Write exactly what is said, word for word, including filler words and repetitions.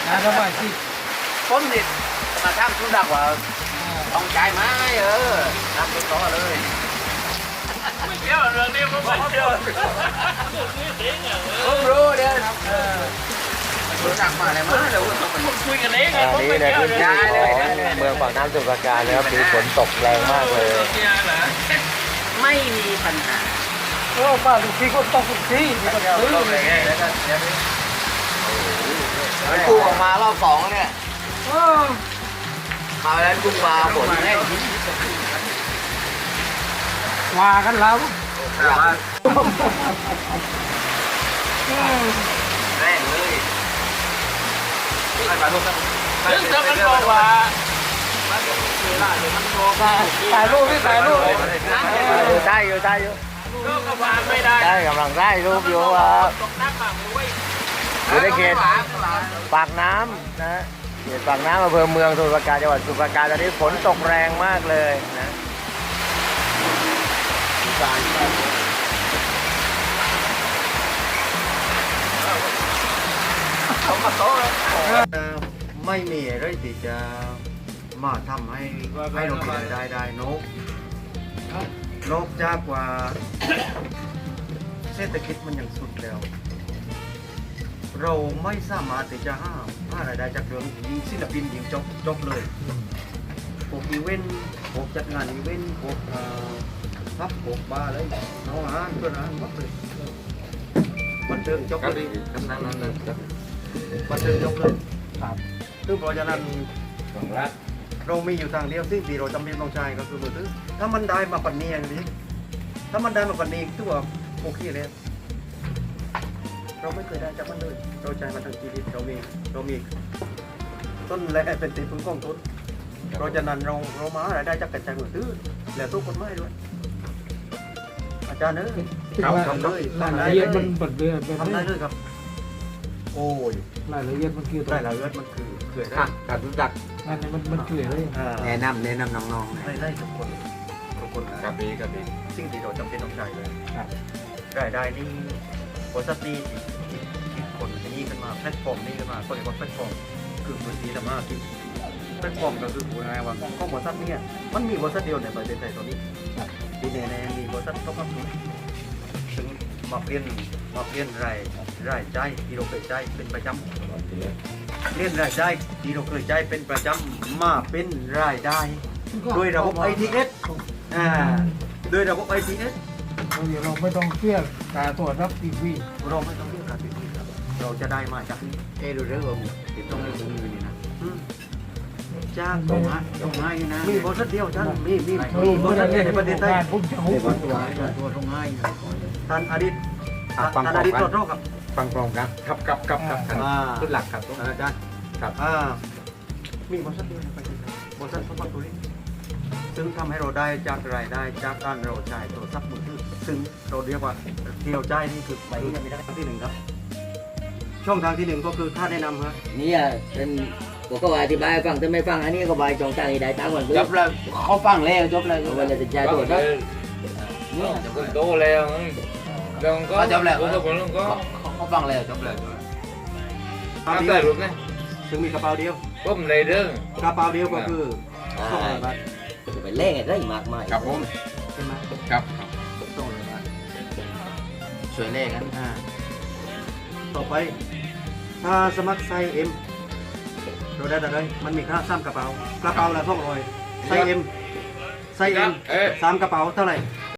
นะสบายสิผมนี่มาทำธุระว่าต้องใจไหมเออทำเป็นต่อเลยไม่เกี่ยวเรื่องนี้ผมไม่เกี่ยวผมรู้เดี๋ยวรู้จักมาอะไรมาเดี๋ยวผมคุยกันเองไงผมไม่นี่เกี่นะยวพื้นเลยที่ของเมืองปากน้ำสมุทรปราการนะครับมีฝนตกแรงมากเลยไม่มีปัญหาโอ้มาลูกพี่ก็ต้องลูกพี่ที่ก็ซื้อมันกู้ออกมารอบสองเนี่ยมาแล้วกุ้งปลาฝนแน่ว่ากันแล้วแรงเลยซึ่งถ้ามันบอกว่าถ่ายรูปพี่ถ่ายรูปอยู่ใต้อยู่ใต้อยู่ก็กำลังไม่ได้ใต้กำลังได้รูปอยู่ว่าอยู่ในเขตปากน้ำนะเขตปากน้ำอำเภอเมืองสมุทรปราการจังหวัดสมุทรปราการตอนนี้ฝนตกแรงมากเลยนะไม่มีอะไรที่จะมาทำให้ให้เราเป็นได้ได้นกนกจากว่าเศรษฐกิจมันยังสุดแล้ว เราไม่สามารถที่จะห้ามห้ารายได้จากเรื่องยิงศิลปินยิงจบจบเลยพวกอีเวนต์พวกจัดงานอีเวนต์พวกพับพวกบาร์อะไรน้องอาหารเพื่อนอาหารหมดเลยบันเทิงจบเลยกำนันนั่นเลยบันเทิงจบเลยครับซึ่งเพราะฉะนั้นเรามีอยู่ทางเดียวซึ่งที่เราจำเป็นต้องใช้ก็คือมือถือถ้ามันได้มาปันนี้อย่างนี้ถ้ามันได้มาปันนี้ตัวโอเคเลยเราไม่เคยได้จากมันเลยเราใจมาทั้งชีวิตเรามีเรามีต้นแรกเป็นตีพึ่งกองทุนเพราะฉะนั้นเราเรามาอะไรายได้จากกระจายมือถือแล้วทุกคนไม่ด้วยอาจารย์เอ้ยทำเลยรายละเอียดมันเปิดเดือนทำได้เลยครับโอ้ยรายละเอียดมันคือได้ละเอียดมันคือเขื่อนได้การรู้จักอันนี้มันมันคืออะไรแนะนำแนะนำน้องๆได้ได้ทุกคนทุกคนกับดีกับดีสิ่งที่เราจำเป็นต้องใช้เลยรายได้นี่บริษัทนี้ที่คิดคนที่นี่ขึ้นมาแพลตฟอร์มนี้ขึ้นมาก็เรียกว่าแพลตฟอร์มคือพื้นที่ธรรมะที่แพลตฟอร์มก็คือพูดง่ายๆว่าก็บริษัทนี้มันมีบริษัทเดียวในประเทศไทยตอนนี้ที่แน่ๆมีบริษัทต้องรับรู้ถึงมาเปลี่ยนมาเปลี่ยนรายรายจ่ายที่เราเคยจ่ายเป็นประจำเปลี่ยนรายจ่ายที่เราเคยจ่ายเป็นประจำมาเป็นรายได้โดยระบบ ไอ ที เอส อ่าโดยระบบ ไอ ที เอสเราไม่ต้องเครียดการตรวจรับทีวีเราไม่ต้องเรียกการติดต่อครับเราจะได้มาจากนี้เอ้ดูเรื่องผมติดต้องในถุงมือนี่นะอืมจ้างตรงนะตรงง่ายนะมีบริษัทเดียวท่านมีมีมีบริษัทเดียวในประเทศไทยผมจะเดี๋หุ้ยวน ตัวตัวตรงง่ายท่านอดีตอ่ะฟัท่าง นพร้ออมดีตกันตรวจโรคครับฟังพร้อมกันครับครับครับครับอ่าขึ้นหลักครับอาจารย์ครับอ่ามีบริษัทเดียวในประเทศไทยบริษัทสปอร์ตตุริซึ่งทำให้เราได้จากรายได้จากการเราจ่ายโทรศัพท์มือถือซึ่งเราเรียกว่าที่เราจ่ายนี่คือไปที่ไม่ได้ทางที่หนึ่งครับ ช่องทางที่หนึ่งก็คือค่าแนะนำครับนี่อ่ะเป็นผมก็อธิบายให้ฟังถ้าไม่ฟังอันนี้ก็บายจองตังค์ได้ตังค์ก่อนจบแล้วเขาฟังแล้วจบแล้วเอาวันจะจ่ายตัวนะเนี่ยโตแล้วเรื่องก็จบแล้วก็ผลก็เขาฟังแล้วจบแล้วกระทำเป๋าได้เดียวหรือไงซึ่งมีกระเป๋าเดียวผมในเรื่องกระเป๋าเดียวก็คือสองร้อยบาทไปเล่นอะไรมากมายครับผมใช่ไหมครับสองร้อยบาทช่วยเลขกันอ่าต่อไปถ้าสมัครไซส์เอ็มเราได้แต่เลยมันมีค่าสามกระเป๋ากระเป๋าละสองร้อยไซส์เอ็มไซส์เอ็มเอ๊ะสามกระเป๋าเท่าไหร่ส